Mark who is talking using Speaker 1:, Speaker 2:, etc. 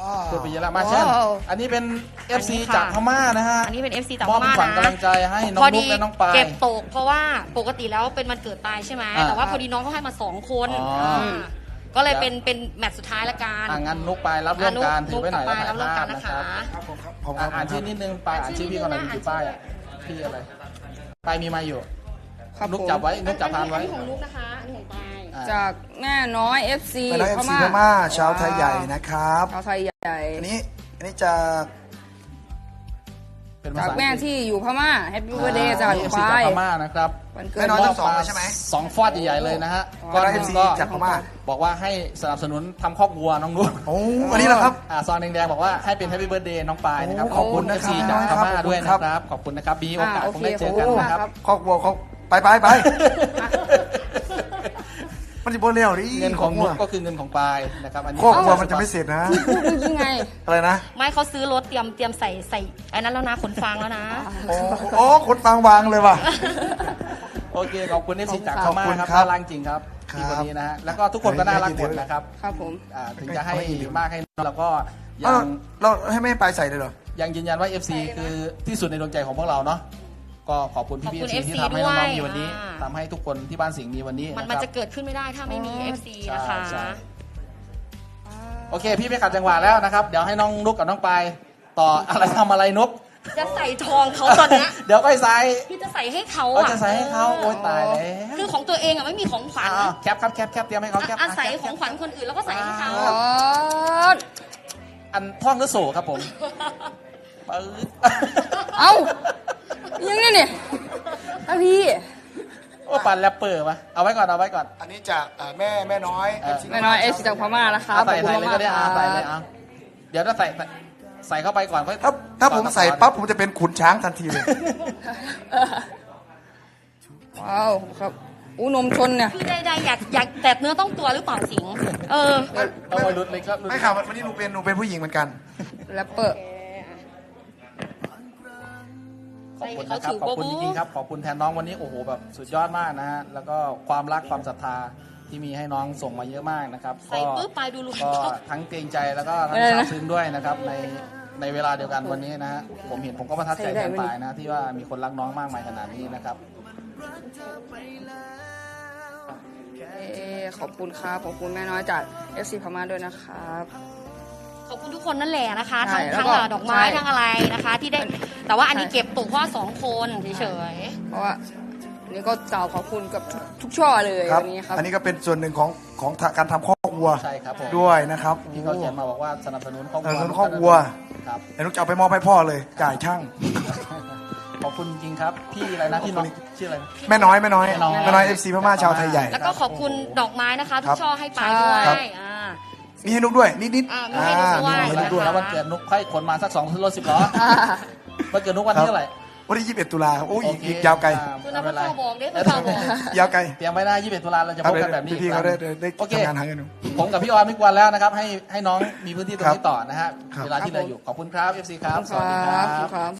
Speaker 1: พูดไปเยอะแล้วมาเช่นอันนี้เป็น FC จากพม่านะฮะ
Speaker 2: อันนี้เป็น FC จาก
Speaker 1: ม
Speaker 2: พ
Speaker 1: อบ
Speaker 2: ม่า
Speaker 1: ขวัญ
Speaker 2: นะ
Speaker 1: กำลังใจให้น้องนุ๊กและน้องปาย
Speaker 2: เก็บตกเพราะว่าปกติแล้วเป็นวันเกิดปายใช่ไหมแต่ว่าพอดีน้องเขาให้มา2 คนก็เลยเป็นแมตช์สุดท้ายละกัน
Speaker 1: งั้นนุ๊กปายรับร่วมการถือไว้หน่อยแล้วถ่าย
Speaker 2: รับร่วม
Speaker 1: ภา
Speaker 2: กั
Speaker 1: พ
Speaker 2: น
Speaker 1: นะ
Speaker 2: นะ
Speaker 1: ค
Speaker 2: คะ
Speaker 1: รับอ่านชื่อนิดนึงปายอ่านชื่อพี่ก่อนหน่อยมีกี่ป้ายอ่ะพี่อะไรปายมีมาอยู่นุ๊กจับไว้นุ๊กจับพานไว้
Speaker 2: อันนี้ของนุ๊กนะคะอันนี้ของปาย
Speaker 3: จากแม่น้อย FC
Speaker 4: แม่น้อย FC พม่าชาวไทยใหญ่นะครับ
Speaker 3: ชาวไทยใหญ่
Speaker 4: อันนี้จาก
Speaker 1: เป็นภา
Speaker 3: จาก
Speaker 1: ษา
Speaker 3: แม่ที่อยู่พม่า Happy Birthday จาก
Speaker 1: FC
Speaker 3: ปา
Speaker 1: จาก
Speaker 3: ย
Speaker 1: พม่านะครับ
Speaker 3: วันเกิ
Speaker 4: แม่
Speaker 3: ด
Speaker 4: น้อย
Speaker 3: น้
Speaker 4: ทั้
Speaker 3: อง
Speaker 4: งสองเลยใช่ไหม
Speaker 1: 2 ฟอดใหญ่ๆเลยนะฮะ
Speaker 4: แม่น้อย
Speaker 1: หนึ่ง
Speaker 4: FC
Speaker 1: ก็
Speaker 4: จากพม่า
Speaker 1: บอกว่าให้สนับสนุนทำคอกวัวน้องนุ๊ก
Speaker 4: โอ้อันนี้แหละครับ
Speaker 1: ซองแดงๆบอกว่าให้เป็น Happy Birthday น้องปายนะครับ
Speaker 4: โอ้
Speaker 1: ขอบคุณ
Speaker 4: ขอบคุณ
Speaker 1: FC
Speaker 4: นะครับ
Speaker 1: จากพม่า
Speaker 4: ขอบคุณ
Speaker 1: ด้วย
Speaker 4: ครั
Speaker 1: นะ
Speaker 4: บ
Speaker 1: ครับขอบคุณนะครับมีโอกาส
Speaker 3: โอ
Speaker 1: คง
Speaker 3: เค
Speaker 1: ได้เจอกันนะครับ
Speaker 4: คอกวัวเขาไปมันจะโบเลี้ยวดิ
Speaker 1: เงินของนุ๊กก็คือเงินของปายนะครับอันนี้
Speaker 4: คอกวัวมันจะไม่เสร็จนะ
Speaker 3: พูดเมื่อกี้ไง
Speaker 4: อะไรนะ
Speaker 2: ไม่เขาซื้อรถเตรียมใส่ไอ้นั้นแล้วนะขนฟางแล้วนะ
Speaker 4: โอ้คนฟังวางเลยว่ะ
Speaker 1: โอเคขอบคุณ FC จากพม่า
Speaker 4: ขอบคุณ
Speaker 1: ครับ
Speaker 4: ครับ
Speaker 1: น่ารักจริงครับที่คนนี้นะฮะแล้วก็ทุกคนก็น่ารักหมดนะครับ
Speaker 3: ครับผม
Speaker 1: ถึงจะให้มากให้น้อยแล้วก็ยั
Speaker 4: เอ้าง เราให้ไม่ไปใส่เลยเหรอ
Speaker 1: ยังยืนยันว่า FC คือที่สุดในดวงใจของพวกเราเนาะก็ขอบคุณพี่
Speaker 2: ขอบคุณ
Speaker 1: ๆ FC ที่
Speaker 2: FC
Speaker 1: ทำให้น้องๆมี
Speaker 2: ด้วย
Speaker 1: วันนี้
Speaker 2: อ่า
Speaker 1: ทำให้ทุกคนที่บ้านสิงห์มีวันนี้
Speaker 2: มัน
Speaker 1: นะครับ
Speaker 2: จะเกิดขึ้นไม่ได้ถ้าไม่มี FC
Speaker 1: ใช่
Speaker 2: นะคะ
Speaker 1: ใช่ โอเค พี่ไม่ขัดจังหวะแล้วนะครับ เดี๋ยวให้น้องนุกกับน้องปายต่ออะไรทำอะไรนุก
Speaker 2: จะใส่ทองเขาตอนเนี้ย
Speaker 1: เดี๋ยวก็ใส่
Speaker 2: พี่จะใส่ให้เขา
Speaker 1: ก็
Speaker 2: อ่ะ
Speaker 1: จะใส่ให้เขาโอ๊ยตายแล้ว
Speaker 2: คือของตัวเองอ่ะไม่มีของขวัญ
Speaker 1: แคปครับแคปเตรียมให้เขาแคป
Speaker 2: อาศัยของขวัญคนอื่นแล้วก็ใส่ให้เขา
Speaker 3: อ๋อ
Speaker 1: อันท่องหรือโสครับผมปื๊ด
Speaker 3: เอ้ายังไงเนี่ยพี่
Speaker 1: โอ้ปั่นแรปเปอร์มาเอาไว้ก่อน
Speaker 4: อันนี้จากแม่น้อย
Speaker 3: แม่น้อย FC จากพม่านะครับ
Speaker 1: ใส่
Speaker 3: ขอบ
Speaker 1: เลย
Speaker 3: คุณ
Speaker 1: ก็ได้
Speaker 3: มากๆ
Speaker 1: ใส่เลยเอาเดี๋ยวถ้าใส่เข้าไปก่อนค่อย
Speaker 4: ถ้าผมใส่ปั๊บผมจะเป็นขุนช้างทันทีเลย
Speaker 3: ว้าวครับอู้นมชนเนี่ย
Speaker 2: คือใดๆอยากแตะเนื้อต้องตัวหรือเปล่าสิงห์
Speaker 1: เอาไว้รุดเลยครับ
Speaker 4: ไม่ค่ะวันนี้หนูเป็นผู้หญิงเหมือนกัน
Speaker 3: แรปเปอร์
Speaker 1: ขอบคุณนะครับขอบคุณจริงๆครับขอบคุณแทนน้องวันนี้โอ้โหแบบสุดยอดมากนะฮะแล้วก็ความรักความศรัทธาที่มีให้น้องส่งมาเยอะมากนะครับ
Speaker 2: ใส่ปุ๊บไปดูลูก
Speaker 1: ก็ทั้งเกรงใจแล้วก็ทั้งซาบซึ้งด้วยนะครับในเวลาเดียวกันวันนี้นะฮะผมก็ประทับใจแทนปายนะที่ว่ามีคนรักน้องมากมายขนาดนี้นะครับ
Speaker 3: ขอบคุณครับขอบคุณแม่น้อยจาก FC พม่าด้วยนะครับ
Speaker 2: ขอบคุณทุกคนนั่นแหละนะคะ
Speaker 3: ใช่
Speaker 2: ทั้ง
Speaker 3: แล้วก็
Speaker 2: ดอกไม้
Speaker 3: ใช่
Speaker 2: ทั้งอะไรนะคะ ที่ได้แต่ว่าอันนี้เก็บตกเพราะว่า2 คนเฉย
Speaker 3: เพราะว่าอันนี้ก็กล่าวขอบคุณกับทุกช่อเลย
Speaker 4: ครับ
Speaker 3: วันนี้ครับ
Speaker 4: อันนี้ก็เป็นส่วนหนึ่งของการทำคอกวัว
Speaker 1: ใช่ครับผม
Speaker 4: ด้วยนะครับ
Speaker 1: ที่เขาเขียนมาบอกว่าสนับสนุนครอบค
Speaker 4: สนั
Speaker 1: รัว
Speaker 4: บสนุนครอบครัว
Speaker 1: ครับ
Speaker 4: เดี๋ยวนุกจะเอาไปมอบให้พ่อเลย จ่ายช่าง
Speaker 1: ขอบคุณจริงๆครับพี่อะไรนะพี่น้องชื่ออะไรนะ
Speaker 4: แม่น้อยแม่น้อย
Speaker 1: แม่น้อย
Speaker 4: แม่น้อย FC พม่าชาวไทยใหญ่
Speaker 2: ๆ แล้วก็ขอบคุณดอกไม้นะคะ ทุ
Speaker 4: ครั
Speaker 2: ก
Speaker 4: บ
Speaker 2: ช่อให้ไปด้ว
Speaker 4: ครับ
Speaker 2: ย
Speaker 4: มีให้นุกด้วยนิด
Speaker 2: มีให้นุ๊กด้วย
Speaker 4: มีให้นุกด้วย
Speaker 1: แล้ววันเกิดนุ๊กค่อยขนมาสัก2 รถ 10 ล้อวันเกิดนุ๊กวันที่เท่าไหร่
Speaker 4: วันที่21 ตุลาครับโอ้ย
Speaker 1: โอเค
Speaker 4: อีกยาวไกล
Speaker 2: คุณนักข่าวบอกได้คุณข่าวบอก
Speaker 4: ยาวไกล
Speaker 1: เตรียมไว้นะ21 ตุลาเราจะพบกันแบบนี้อีก
Speaker 4: พี่ๆ
Speaker 1: ค
Speaker 4: เขา
Speaker 1: รั้ง
Speaker 4: ได้
Speaker 1: โอเค
Speaker 4: ทำงานหาเงินหนู
Speaker 1: ผมกับพี่ออนไม่กวนแล้วนะครับ ให้น้องมีพื้นที่ตรงนี้ต่อนะฮะ
Speaker 4: ครับ
Speaker 1: เวลาที่เหลืออยู่ขอบคุณครับ FC ครับ สวัสดีค
Speaker 3: ค
Speaker 1: รั
Speaker 3: รับ บครับ